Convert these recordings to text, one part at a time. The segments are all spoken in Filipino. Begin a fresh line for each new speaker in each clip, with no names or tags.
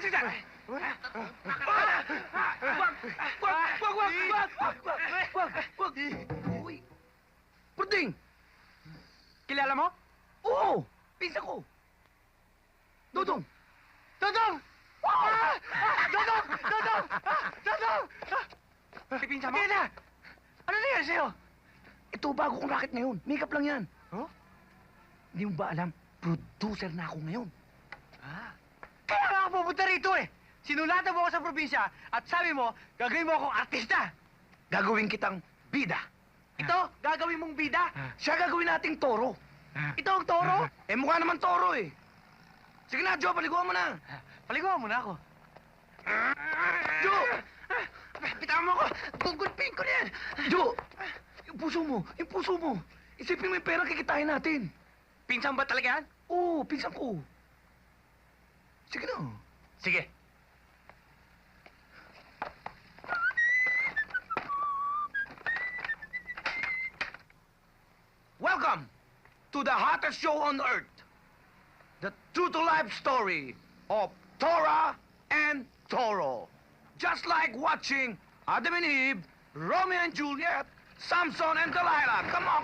Lumabas ka dyan! Wag! Uy! Perding!
Kilala mo?
Oo! Pinsan ko! Dodong!
Dodong! Dodong! Dodong! Dodong!
Pipinsan mo?
Kaya na! Ano nangyari sa'yo?
Ito, bago kong racket ngayon. Makeup lang yan.
Huh?
Hindi mo ba alam? Producer na ako ngayon.
Kaya nga ako pupunta rito eh! Sinulatan mo ako sa probinsya at sabi mo, gagawin mo akong artista!
Gagawin kitang bida.
Ito, gagawin mong bida!
Siya gagawin nating toro.
Ito ang toro!
Eh, mukha naman toro eh. Sige na, Joe, paliguan mo na.
Paliguan mo na ako.
Joe! Pitawan mo ako! Gugulpin ko na yan! Joe! Yung puso mo. Isipin mo yung pera kikitain natin.
Pinsan ba talaga yan?
Oo, pinsan ko. Sige na.
Sige.
Welcome to the hottest show on earth. The true-to-life story of Tora and Toro. Just like watching Adam and Eve, Romeo and Juliet, Samson and Delilah. Come on.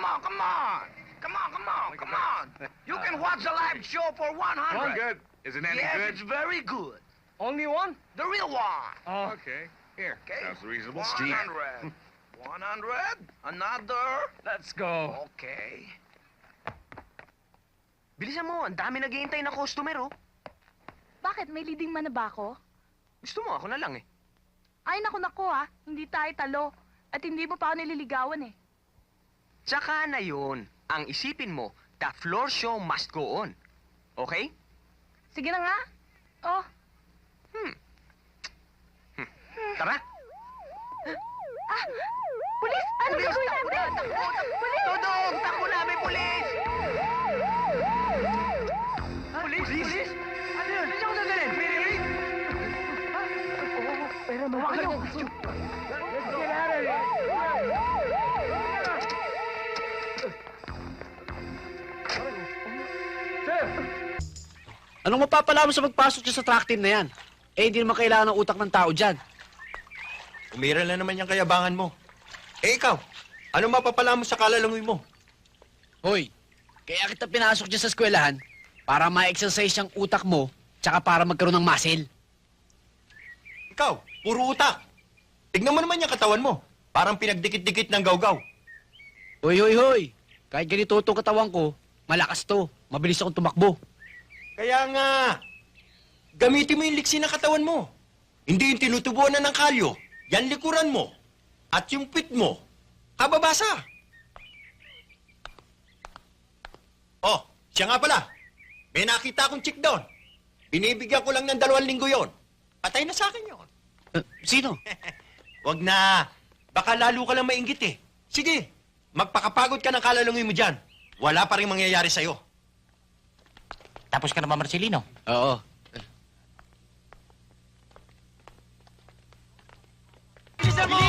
Come on. You can watch the live show for 100.
Good. Is it any
Yes,
good?
it's very good.
Only one?
The real one.
Oh.
Okay. Here.
Okay.
Sounds reasonable.
100. 100. Another.
Let's go.
Okay.
Bilisan mo, ang dami naghihintay na customer, oh.
Bakit? May leading man na ba ako?
Gusto mo, ako na lang, eh.
Ay, naku, hindi tayo talo. At hindi mo pa ako nililigawan eh.
Tsaka na yun. Ang isipin mo, the floor show must go on. Okay?
Sige na nga. Oh,
Tara.
pulis! Ano
Pulis!
gagawin natin? Pulis!
Dodong! Takbo na, may pulis! Pulis? Pulis? Ano yun? Saan ako dadalhin? May ring?
Pero mawag niyo.
Anong mapapala mo sa magpasok dyan sa track team na yan? Eh, hindi naman kailangan ng utak ng tao dyan.
Umiral na naman yung kayabangan mo. Eh ikaw, ano mapapala mo sa kalalangoy mo?
Hoy, kaya kita pinasok dyan sa eskwelahan para ma-exercise yung utak mo tsaka para magkaroon ng muscle.
Ikaw, puro utak. Tignan mo naman yung katawan mo. Parang pinagdikit-dikit ng gawgaw.
Hoy. Kahit ganito itong katawan ko, malakas to. Mabilis akong tumakbo.
Kaya nga, gamitin mo yung liksi ng katawan mo. Hindi yung tinutubuan na ng kalyo. Yan likuran mo. At yung pit mo, kababasa. Oh, siya nga pala. May nakita akong chick doon. Binibigyan ko lang ng 2 linggo yon. Patay na sa akin yon.
Sino?
Wag na. Baka lalo ka lang mainggit eh. Sige, magpakapagod ka ng kalalungoy mo dyan. Wala pa rin mangyayari sa'yo.
Tapos ka na ba, Marcelino?
Oo.
Bilisan mo!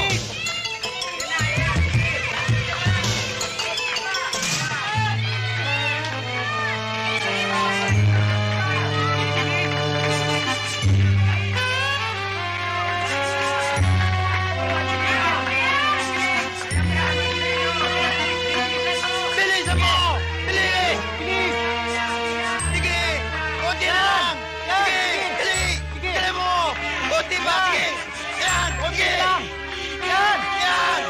Bilisan mo! Bilis! Bilis! Sige! Kunti lang! Sige! Dali! Dali mo! Kunti pa! Sige! Yan! Kunti! Yan! Yan!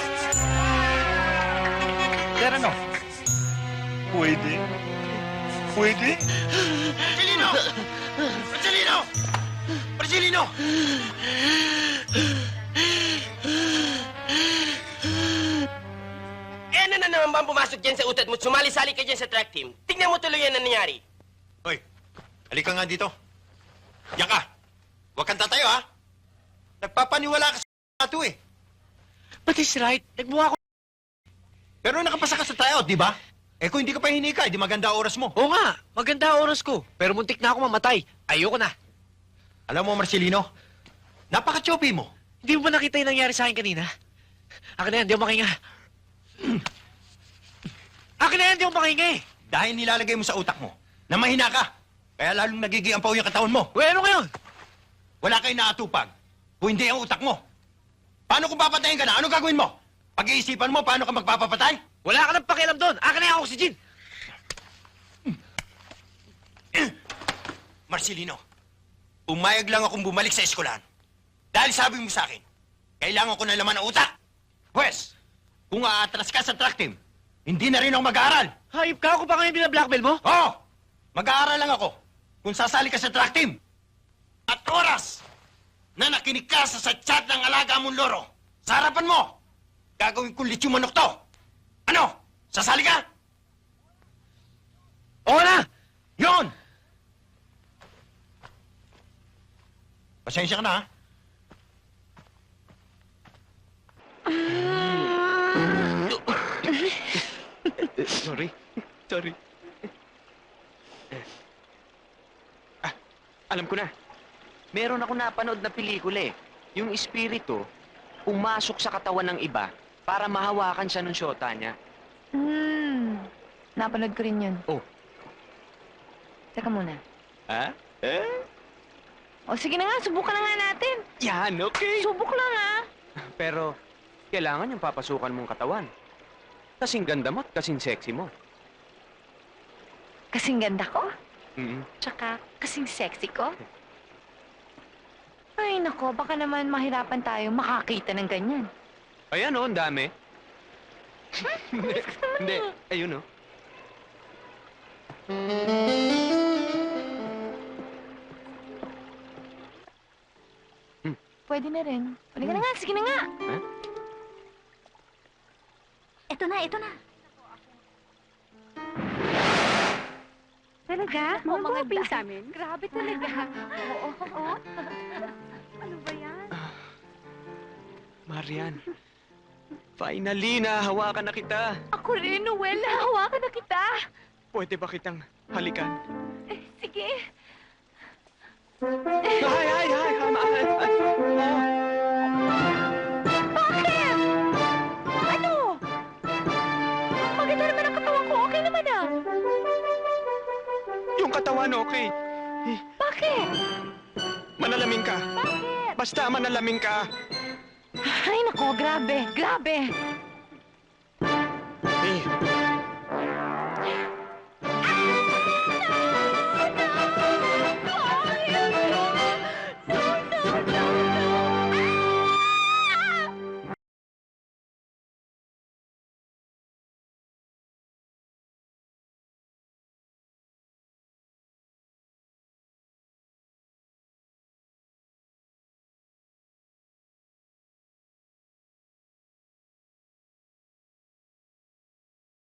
Pero ano?
Pwede? Pwede?
Marcelino! Marcelino! Marcelino!
Eh, ano na naman ba ang pumasok dyan sa utat mo? Sumali-sali ka dyan sa track team. Tingnan mo tuloy yan ang nangyari.
Hoy! Halika nga dito. Diyan ka! Huwag kang tatayo, ha? Nagpapaniwala ka sa ito, eh.
But he's right. Nagmukha ko.
Pero nakapasa ka sa tryout, di ba? Eh kung hindi ka pa hinika, di maganda oras mo.
Oo nga, maganda ang oras ko. Pero muntik na ako mamatay. Ayoko na.
Alam mo, Marcelino, napaka-choppy mo.
Hindi mo ba nakita yung nangyari sa akin kanina? Akin na yan, di ako makinga. Akin na yan, di ako makinga eh.
Dahil nilalagay mo sa utak mo na mahina ka. Kaya lalong nagigiampaw yung katawan mo.
Uy, ano ngayon?
wala kayong naatupag. Kung hindi ang utak mo. Paano kung papatayin ka na? Ano gagawin mo? Pag-iisipan mo, paano ka magpapapatay?
Wala ka nang pakialam doon. Akin na yung oxygen.
Marcelino, umayag lang akong bumalik sa eskwelahan. Dahil sabi mo sa akin, kailangan ko na laman ng utak. Pwes, kung aatras ka sa track team, hindi na rin ako mag-aaral.
Hayop ka ako pa ngayon binablackmail mo?
Oo, mag-aaral lang ako kung sasali ka sa track team. At oras na nakinig ka sa chat ng alaga mong loro, sa harapan mo, gagawin kong litsyo manok to. Ano? Sasali ka?
Oo na!
Yon! Pasensya ka na, ha?
Sorry. Sorry.
Alam ko na. Meron ako napanood na pelikula eh. Yung espiritu, pumasok sa katawan ng iba para mahawakan siya ng syota niya.
Napanood ko rin yun.
Oh.
Teka muna.
Ha?
O sige na nga, subukan na nga natin.
Yan, okay.
Subok lang ah.
Pero, kailangan yung papasukan mong katawan. Kasing ganda mo at kasing sexy mo.
Kasing ganda ko,
Mm.
tsaka kasing sexy ko. Ay nako, baka naman mahirapan tayo makakita ng ganyan.
Ayan oh, ang dami. Hindi, ayun oh.
Pwede na rin. Pwede ka na nga, sige na nga.
Ha?
Ito na, ito na. Talaga?
Mga gwapo sa amin.
Grabe talaga. Oo, oo. Ano ba yan?
Marian, finally, nahawakan na kita.
Ako rin, Noel. Nahawakan na kita.
Pwede ba kitang halikan?
Sige.
Ay, mahal.
Bakit? Ano? Maganda naman ang katawan ko. Okay naman ah.
Yung katawan, okay.
Bakit?
Manalamin ka.
Bakit?
Basta manalamin ka.
Ay, nako, grabe. Grabe.